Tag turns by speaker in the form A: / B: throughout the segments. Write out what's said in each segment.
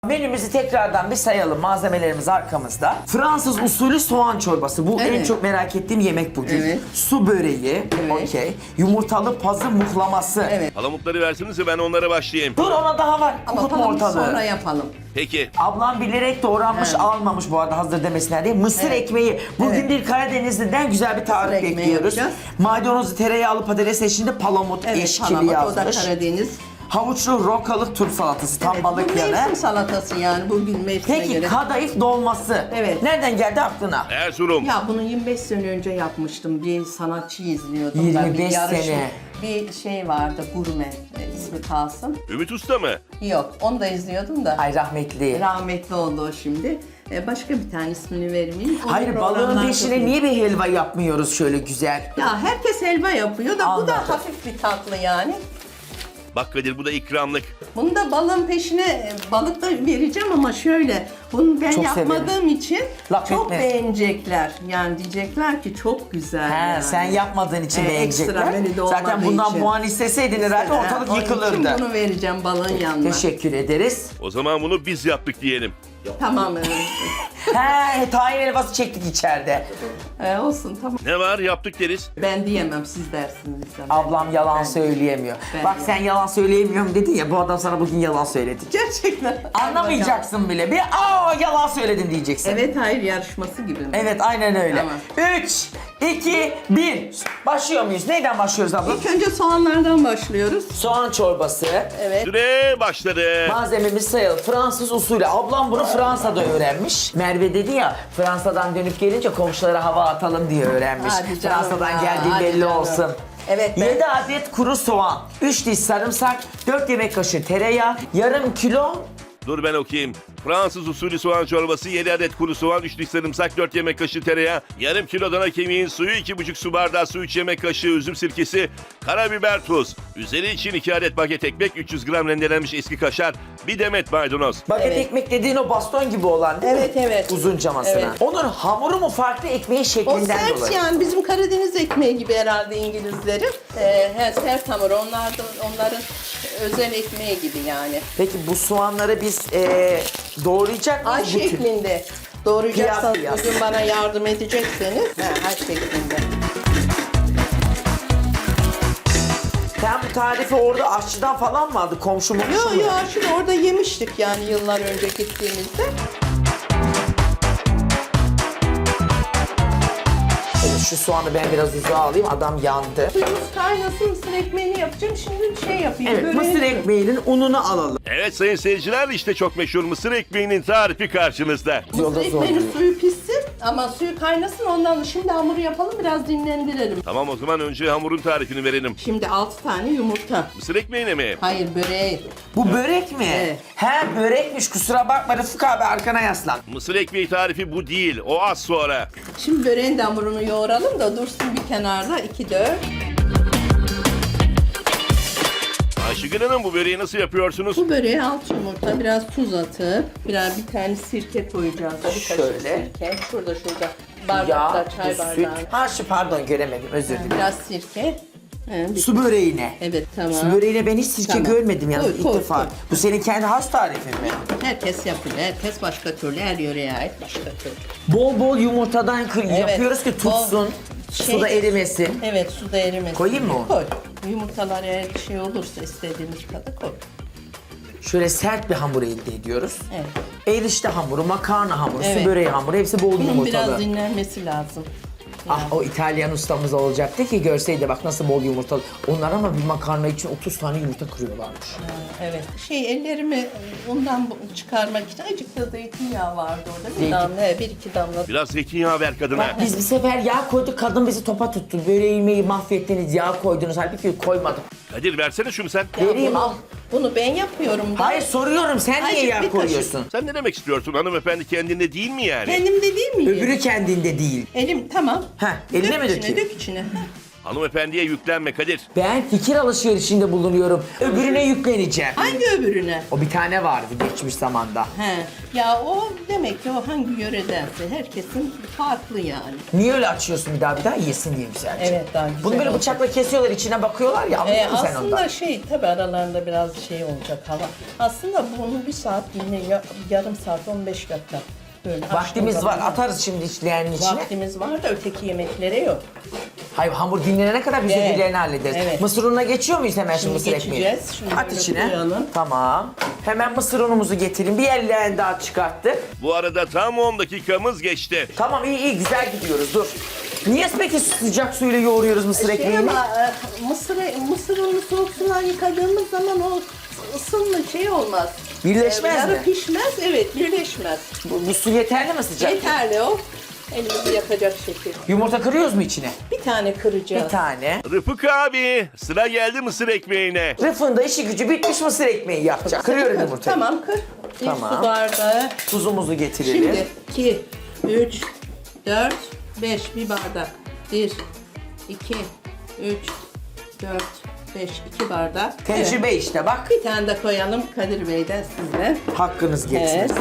A: Menümüzü tekrardan bir sayalım. Malzemelerimiz arkamızda. Fransız usulü soğan çorbası. Bu en çok merak ettiğim yemek bugün.
B: Evet.
A: Su böreği.
B: Evet.
A: Okey. Yumurtalı pazı muhlaması.
B: Evet.
C: Palamutları versenize ben onlara başlayayım.
A: Dur ona daha var.
B: Ama
A: Okutma
B: tamam,
A: ortalığı.
B: sonra yapalım.
C: Peki.
A: Ablam bilerek doğranmış
B: Evet.
A: almamış bu arada hazır demesinler diye. Mısır
B: Evet.
A: ekmeği. Bugün
B: Evet.
A: bir Karadenizli'den güzel bir tarif
B: ekmeği
A: bekliyoruz.
B: yapacağız.
A: Maydanozu tereyağlı patates eşliğinde palamut
B: Evet,
A: eşkili
B: palamut, o da
A: yazmış.
B: Karadeniz.
A: Havuçlu rokalı turp salatası. Tam
B: Evet,
A: balık
B: bu
A: yanı.
B: mevsim salatası yani bugün mevsime
A: Peki
B: göre.
A: kadayıf dolması.
B: Evet.
A: Nereden geldi aklına?
C: Erzurum.
B: Ya bunu 25 sene önce yapmıştım. Bir sanatçı izliyordum.
A: 25
B: ben.
A: sene.
B: Bir şey vardı, gurme ismi kalsın.
C: Ümit Usta mı?
B: Yok, onu da izliyordum da.
A: Ay rahmetli.
B: Rahmetli oldu o şimdi. Başka bir tane ismini vermeyeyim. Onun
A: Hayır balığın
B: programlar
A: peşine
B: çok-
A: niye bir helva yapmıyoruz şöyle güzel?
B: Ya herkes helva yapıyor da bu
A: Anladım.
B: da hafif bir tatlı yani.
C: Bak Kadir bu da ikramlık.
B: Bunu da balığın peşine balık da vereceğim ama şöyle. Bunu ben
A: Çok
B: yapmadığım için
A: Laf
B: çok
A: etme.
B: beğenecekler. Yani diyecekler ki çok güzel.
A: He,
B: yani.
A: sen yapmadığın için beğenecekler.
B: Ekstra menüde
A: Zaten
B: olmadığı
A: bundan
B: için.
A: puan isteseydin herhalde ortalık
B: Onun için
A: yıkılırdı.
B: bunu vereceğim balığın yanına.
A: Teşekkür ederiz.
C: O zaman bunu biz yaptık diyelim.
B: Tamam evet.
A: He, tahin helvası çektik içeride.
B: Olsun tamam.
C: Ne var yaptık deriz.
B: Ben diyemem siz dersiniz.
A: Ablam yalan
B: Ben-
A: söyleyemiyor.
B: Ben-
A: Bak sen yalan söyleyemiyorum dedin ya bu adam sana bugün yalan söyledi.
B: Gerçekten.
A: Anlamayacaksın bile. Bir yalan söyledin diyeceksin.
B: Evet hayır yarışması gibi mi?
A: Evet aynen öyle.
B: Tamam.
A: 3, 2, 1. Başlıyor muyuz? Neyden başlıyoruz abla?
B: İlk önce soğanlardan başlıyoruz.
A: Soğan çorbası.
B: Evet.
C: Süre başladı.
A: Malzememiz sayılı. Fransız usulü. Ablam bunu Fransa'da öğrenmiş. Merve dedi ya Fransa'dan dönüp gelince komşulara hava atalım diye öğrenmiş.
B: Hadi canım
A: Fransa'dan
B: ya,
A: geldiği
B: hadi
A: belli
B: canım.
A: olsun.
B: Evet, ben-
A: 7 adet kuru soğan, 3 diş sarımsak, 4 yemek kaşığı tereyağı, yarım kilo
C: Dur ben okuyayım. Fransız usulü soğan çorbası, 7 adet kuru soğan, 3 diş sarımsak, 4 yemek kaşığı tereyağı, yarım kilo dana kemiğin suyu, 2,5 su bardağı su, 3 yemek kaşığı üzüm sirkesi, karabiber, tuz. Üzeri için 2 adet baget ekmek, 300 gram rendelenmiş eski kaşar, bir demet maydanoz.
A: baget
B: Evet.
A: ekmek dediğin o baston gibi olan değil mi?
B: Evet, evet.
A: Uzuncamasına.
B: Evet.
A: Onun hamuru mu farklı ekmeğin
B: O
A: şeklinden
B: sert
A: dolayı?
B: yani bizim Karadeniz ekmeği gibi herhalde İngilizlerin. Sert hamur onların özel ekmeği gibi yani.
A: Peki bu soğanları biz doğrayacak
B: Ay
A: mıyız? bütün?
B: şeklinde. Doğrayacaksanız
A: Piyaz.
B: bugün bana yardım edecekseniz. Ay şeklinde.
A: Sen bu tarifi orada aşçıdan falan mı aldın? Komşu mu?
B: Yo şimdi orada yemiştik yani yıllar önce gittiğimizde.
A: Şu soğanı ben biraz uzağa alayım. Adam yandı.
B: Suyumuz kaynasın mısır ekmeğini yapacağım. Şimdi şey yapayım.
A: Evet,
B: böreği-
A: mısır ekmeğinin ununu alalım.
C: Evet sayın seyirciler işte çok meşhur mısır ekmeğinin tarifi karşınızda.
A: Yolda
B: Mısır
A: zor
B: ekmeğinin
A: değil.
B: suyu pişsin ama suyu kaynasın ondan şimdi hamuru yapalım biraz dinlendirelim.
C: Tamam o zaman önce hamurun tarifini verelim.
B: Şimdi 6 tane yumurta.
C: Mısır ekmeğine mi?
B: Hayır böreği.
A: Bu börek mi?
B: Evet.
A: He börekmiş kusura bakma Rıfık abi arkana yaslan.
C: Mısır ekmeği tarifi bu değil. O az sonra.
B: Şimdi böreğin de hamurunu yoğuralım da dursun bir kenarda 2-4.
C: Ayşegül Hanım bu böreği nasıl yapıyorsunuz?
B: Bu böreğe 6 yumurta biraz tuz atıp biraz bir tane sirke koyacağız. Bir kaşık
A: Şöyle.
B: sirke. Şurada bardakta
A: Ya,
B: çay
A: bu
B: bardağı.
A: süt. Ha şu pardon göremedim özür dilerim.
B: Biraz sirke.
A: Su böreğine.
B: Evet tamam.
A: Su böreğine ben hiç sirke
B: Tamam.
A: görmedim yalnız ilk
B: Koy,
A: defa.
B: koy.
A: Bu senin kendi has tarifin mi?
B: Herkes yapıyor. Herkes başka türlü. Her yöreye ait başka türlü.
A: Bol bol yumurtadan
B: Evet.
A: yapıyoruz ki tutsun.
B: Şey-
A: Suda erimesin.
B: Evet suda erimesin.
A: Koyayım mı onu?
B: Koy. Yumurtalar eğer şey olursa istediğimiz kadar koy.
A: Şöyle sert bir hamur elde ediyoruz.
B: Evet.
A: Erişte hamuru, makarna hamuru,
B: Evet.
A: su böreği hamuru hepsi bol
B: Bunun
A: yumurtalı.
B: biraz dinlenmesi lazım.
A: Ah o İtalyan ustamız olacaktı ki görseydi bak nasıl bol yumurtalı. Onlar ama bir makarna için 30 tane yumurta kırıyorlarmış.
B: Evet. Ellerimi ondan çıkarmak için azıcık da zeytinyağı vardı orada. Bir
A: Zeytin.
B: damla, 1-2 damla.
C: Biraz zeytinyağı ver kadına.
A: Biz bir sefer yağ koyduk kadın bizi topa tuttu. Böreğimi mahvettiniz yağ koydunuz halbuki koymadım.
C: Kadir versene şunu sen.
B: Ya
A: Vereyim, al.
B: Bunu ben yapıyorum. da.
A: Hayır soruyorum sen niye
B: Azıcık bir
A: yağ
B: kaşık.
A: koyuyorsun?
C: Sen ne demek istiyorsun hanımefendi kendinde değil mi yani?
B: Kendimde değil miyim?
A: Öbürü kendinde değil.
B: Elim tamam.
A: Heh, eline
B: Dök
A: mi
B: içine,
A: dökeyim?
B: dök içine. Heh.
C: Hanımefendiye yüklenme Kadir.
A: Ben fikir alışverişinde bulunuyorum. Öbürüne yükleneceğim.
B: Hangi öbürüne?
A: O bir tane vardı geçmiş zamanda.
B: He. Ya o demek ki o hangi yöredense herkesin farklı yani.
A: Niye öyle açıyorsun bir daha yesin diye güzelce.
B: Evet, daha güzel
A: Bunu böyle
B: olacak.
A: bıçakla kesiyorlar, içine bakıyorlar ya, anladın mı sen ondan?
B: Aslında tabii aralarında biraz şey olacak hava. Aslında bunu bir saat yine yarım saat 15 dakika böyle
A: Vaktimiz
B: açtığın
A: var,
B: zaman-
A: atarız şimdi içleyenin içine.
B: Vaktimiz var da öteki yemeklere yok.
A: Hayır, hamur dinlenene kadar biz
B: Evet.
A: öbürlerini hallederiz.
B: Evet.
A: Mısır ununa geçiyor muyuz hemen şimdi
B: Şimdi
A: mısır ekmeği?
B: geçeceğiz. Şimdi
A: At
B: böyle
A: içine.
B: koyalım.
A: Tamam. Hemen mısır unumuzu getireyim. Bir ellerini daha çıkarttık.
C: Bu arada tam 10 dakikamız geçti.
A: Tamam, iyi güzel gidiyoruz, dur. Niye peki sıcak suyla yoğuruyoruz mısır ekmeğini?
B: Ama mısır unu soğuk sudan yıkadığımız zaman o ısınma şey olmaz.
A: Birleşmez
B: yarı
A: mi?
B: pişmez, evet birleşmez.
A: Bu su yeterli mi sıcak?
B: Yeterli o. Elimizi yakacak şekil.
A: Yumurta kırıyoruz mu içine?
B: Bir tane kıracağız.
A: Bir tane.
C: Rıfık abi sıra geldi mısır ekmeğine.
A: Rıfın da işi gücü bitmiş, mısır ekmeği yapacak. Kırıyorum yumurtayı.
B: Tamam kır. Bir
A: Tamam.
B: su bardağı.
A: Tuzumuzu getirelim.
B: Şimdi 2, 3, 4, 5 bir bardak. 1, 2, 3, 4, 5, 2 bardak.
A: Tecrübe
B: Evet.
A: işte bak.
B: Bir tane de koyalım Kadir Bey'den sizle.
A: Hakkınız geçmesin.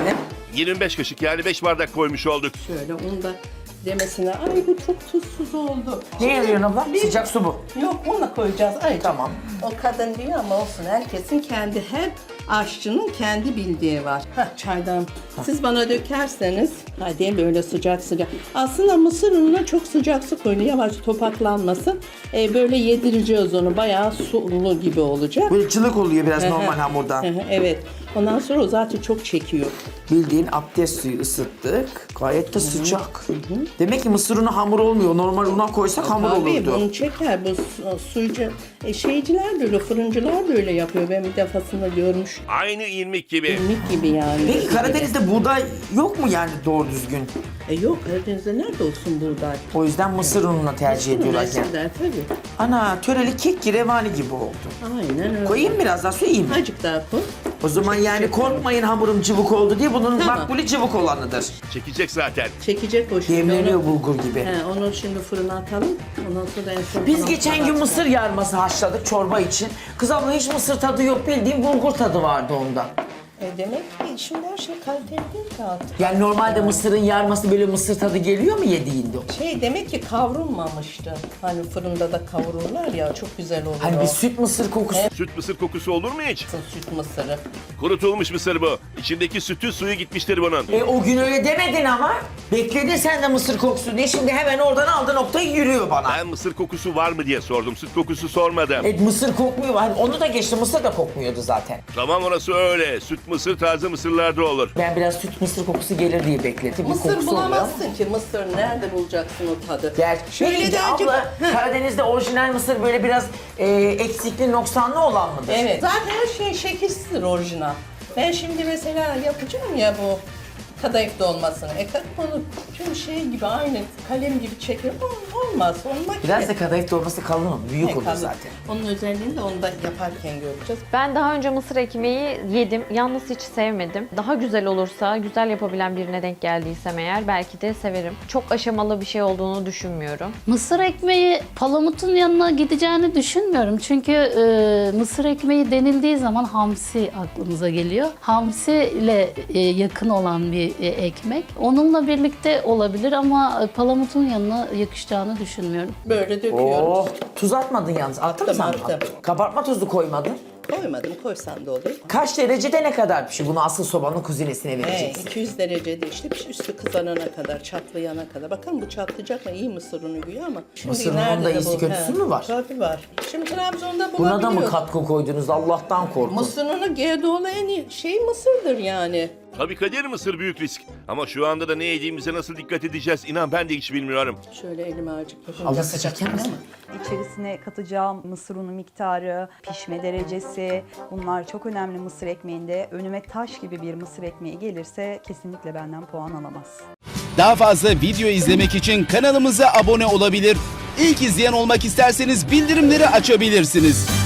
C: 25 kaşık yani 5 bardak koymuş olduk.
B: Şöyle onu da demesine. Ay bu çok tuzsuz oldu.
A: Ne yapıyorsun abla?
B: Bir-
A: Sıcak su bu.
B: Yok onunla koyacağız. Ay,
A: Tamam.
B: O kadın diyor ama olsun. Herkesin kendi, her aşçının kendi bildiği var. Çaydan. Siz bana dökerseniz, hadi böyle sıcak. Aslında mısır ununa çok sıcak su koyun. Yavaş topaklanmasın. Böyle yedireceğiz onu. Bayağı sulu gibi olacak.
A: Böyle cılık oluyor biraz normal
B: Hı hı.
A: hamurdan.
B: Hı hı, evet. Ondan sonra o zaten çok çekiyor.
A: Bildiğin abdest suyu ısıttık. Gayet de sıcak. Demek ki mısır unu hamur olmuyor. Normal una koysak hamur
B: Tabii
A: olurdu.
B: bunu çeker. Bu suycu şeyciler de öyle, fırıncılar da öyle yapıyor. Ben bir defasında görmüş.
C: Aynı ilmik gibi.
B: İlmik gibi yani.
A: Peki Karadeniz'de buğday yok mu yani doğru düzgün?
B: Yok Karadeniz'de nerede olsun buğday?
A: O yüzden mısır ununa tercih ediyorlar yani.
B: Eskiden tabii.
A: Ana töreli kek ki revani gibi oldu.
B: Aynen öyle.
A: Koyayım biraz daha su iyi mi?
B: Azıcık daha koy.
A: O zaman yani korkmayın hamurum cıvık oldu diye, bunun
B: Tamam.
A: makbulü cıvık olanıdır.
C: Çekecek zaten.
B: Çekecek o şimdi.
A: Demleniyor
B: Onu,
A: bulgur gibi.
B: onu şimdi fırına atalım. Ondan sonra en son
A: Biz
B: falan
A: geçen gün
B: atalım.
A: mısır yarması haşladık çorba için. Kız abla hiç mısır tadı yok, bildiğim bulgur tadı vardı onda.
B: Demek ki şimdi her şey kaliteli değil ki artık.
A: Yani normalde mısırın yarması böyle mısır tadı geliyor mu yediğinde?
B: Demek ki kavrulmamıştı. Hani fırında da kavururlar ya, çok güzel olur
A: Hani
B: o.
A: bir süt mısır kokusu.
C: Süt mısır kokusu olur mu hiç?
B: Süt mısırı.
C: Kurutulmuş mısır bu. İçindeki sütün suyu gitmiştir bunun.
A: O gün öyle demedin ama. Bekledin sen de mısır kokusu diye, şimdi hemen oradan aldı noktayı yürüyor bana.
C: Ben mısır kokusu var mı diye sordum. Süt kokusu sormadım.
A: Mısır kokmuyor. Hani onu da geçti, mısır da kokmuyordu zaten.
C: Tamam orası öyle. Süt mısır taze mısırlarda olur.
A: Ben biraz süt mısır kokusu gelir diye bekledim. Bir
B: Mısır
A: kokusu oluyor ama.
B: bulamazsın ki. Mısır nerede bulacaksın o tadı?
A: Şöyle
B: Şöyle de azıcık-
A: abla, Karadeniz'de orijinal mısır böyle biraz eksikli, noksanlı olan mıdır?
B: Evet. Zaten her şey şekilsizdir orijinal. Ben şimdi mesela yapacağım ya bu kadayıf dolmasını. Bunu tüm şey gibi aynı kalem gibi çekiyorum. Olmaz. Olmak
A: Biraz da kadayıf dolması kalın mı? Büyük olur zaten.
B: Onun özelliğini de onu da yaparken göreceğiz.
D: Ben daha önce mısır ekmeği yedim. Yalnız hiç sevmedim. Daha güzel olursa, güzel yapabilen birine denk geldiysem eğer belki de severim. Çok aşamalı bir şey olduğunu düşünmüyorum.
E: Mısır ekmeği palamutun yanına gideceğini düşünmüyorum. Çünkü mısır ekmeği denildiği zaman hamsi aklımıza geliyor. Hamsi ile yakın olan bir ekmek. Onunla birlikte olabilir ama palamutun yanına yakışacağını düşünmüyorum.
B: Böyle döküyoruz.
A: Oh, tuz atmadın yalnız. Attın mı sen?
B: Attım.
A: Kabartma tozu koymadın.
B: Koymadım, koysam da olur.
A: Kaç derecede ne kadar pişiyor? Bunu asıl sobanın kuzinesine vereceksin.
B: 200 derecede işte üstü kızarana kadar, çatlayana kadar. Bakın bu çatlayacak mı? İyi mısır unu güya ama. Şimdi
A: Mısır
B: nerede
A: ununda
B: de
A: iyisi
B: bu?
A: kötüsü mü var?
B: Tabii var. Şimdi Trabzon'da
A: Buna da mı
B: bulabiliyoruz.
A: katkı koydunuz? Allah'tan korkun.
B: Mısır unu Gerdoğlu en iyi şey mısırdır yani.
C: Tabii Kadir mısır büyük risk. Ama şu anda da ne yediğimize nasıl dikkat edeceğiz inan ben de hiç bilmiyorum.
B: Şöyle elime azıcık yapınca
A: Allah sıcak yer misin?
F: İçerisine katacağım mısır unu miktarı, pişme derecesi, bunlar çok önemli mısır ekmeğinde. Önüme taş gibi bir mısır ekmeği gelirse kesinlikle benden puan alamaz.
G: Daha fazla video izlemek için kanalımıza abone olabilir. İlk izleyen olmak isterseniz bildirimleri açabilirsiniz.